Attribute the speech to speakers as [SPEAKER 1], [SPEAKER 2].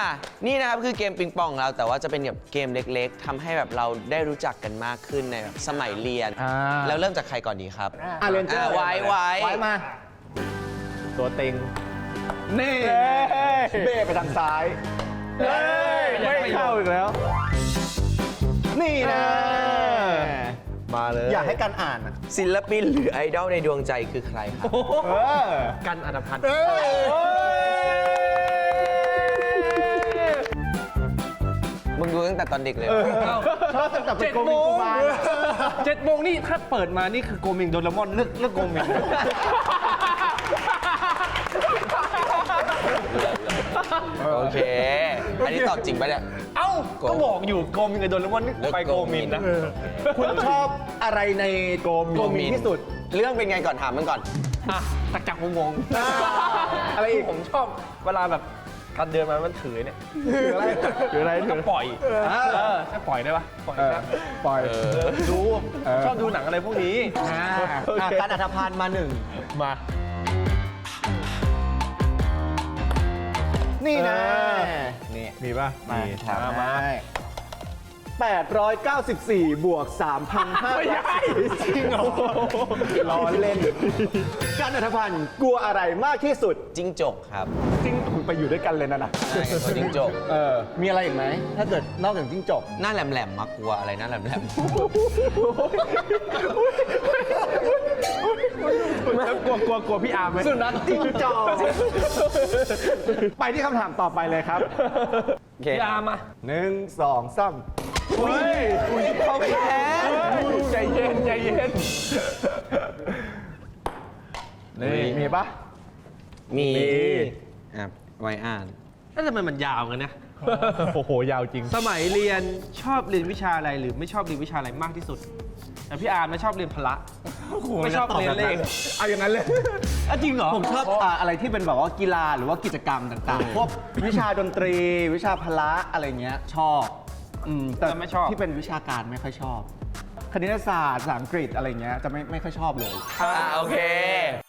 [SPEAKER 1] นี่นะครับคือเกมปิงปองของเราแต่ว่าจะเป็นแบบเกมเล็กๆทำให้แบบเราได้รู้จักกันมากขึ้นในแบบสมัยเรียนแล้วเริ่มจากใครก่อนดีครับ
[SPEAKER 2] เรนเจอร์
[SPEAKER 1] ไว้
[SPEAKER 2] มาตัวเต็งนี่เบ้ไปทางซ้ายไม่เข้าอีกแล้วนี่นะมาเลยอยากให้กันอ่าน
[SPEAKER 1] ศิลปินหรือไอดอลในดวงใจคือใครครับ
[SPEAKER 2] กันอัตพันธ์
[SPEAKER 1] มึงดูตั้งแต่ตอนเด็กเลย
[SPEAKER 2] ชอบตั้งแต่เป็นโกมิงกูบา7 โมงนี่ถ้าเปิดมานี่คือโกมิงโดเรมอนเลือกโกมิง
[SPEAKER 1] โอเคอันนี้ตอบจริงปะเนี่ย
[SPEAKER 2] เอ้าก็บอกอยู่โกมิงกับโดเรมอนนี่ไปโกมินนะคุณชอบอะไรในโกมินที่สุด
[SPEAKER 1] เรื่องเป็นไงก่อนถามมันก่อน
[SPEAKER 2] ตักจักงงอะไรอีกผมชอบเวลาแบบการเดินมามันถือเนี่ยถืออะไรก็ปล่อยใช่ปล่อยได้ปะปล่อยดูชอบดูหนังอะไรพวกนี้การอัธพันธ์มา1มานี่นะนี่มีป่ะมีถามมา894 บวก 3,500ไม่ใช่จริงเหรอล้อเล่นการอัธพันธ์กลัวอะไรมากที่สุด
[SPEAKER 1] จิ้งจกครับ
[SPEAKER 2] จิ้งไปอยู่ด้วยกันเลยนะ
[SPEAKER 1] ใช่ตัวจิ้งจก
[SPEAKER 2] มีอะไรอีกไหมถ้าเกิดนอกจากจิ้งจก
[SPEAKER 1] หน้าแหลมๆมากลัวอะไรหน้าแหลม
[SPEAKER 2] กลัวพี่อาร์มไหมสุนัขจิ้งจอกไปที่คำถามต่อไปเลยครับพี่อาร์มมา1 2 3
[SPEAKER 1] เขาแค้น
[SPEAKER 2] ใจเย็นนี่มีปะ
[SPEAKER 1] มีไว้อ่าน
[SPEAKER 3] แล้วทำไมมันยาวกันนะ
[SPEAKER 2] โอ้โหยาวจริง
[SPEAKER 3] สมัยเรียนชอบเรียนวิชาอะไรหรือไม่ชอบเรียนวิชาอะไรมากที่สุดแต่พี่อาร์มไม่ชอบเรียนพละไม่ชอบเรียนเลข
[SPEAKER 2] เอาอย่างนั้นเลย
[SPEAKER 3] จริงเหรอ
[SPEAKER 2] ผมชอบอะไรที่เป็นแบบว่ากีฬาหรือว่ากิจกรรมต่างๆพวกวิชาดนตรีวิชาพละอะไรเงี้ยชอบแต่
[SPEAKER 3] ไม่ชอบ
[SPEAKER 2] ที่เป็นวิชาการไม่ค่อยชอบคณิตศาสตร์ภาษาอังกฤษอะไรเงี้ยจะไม่ค่อยชอบเลย
[SPEAKER 1] โอเค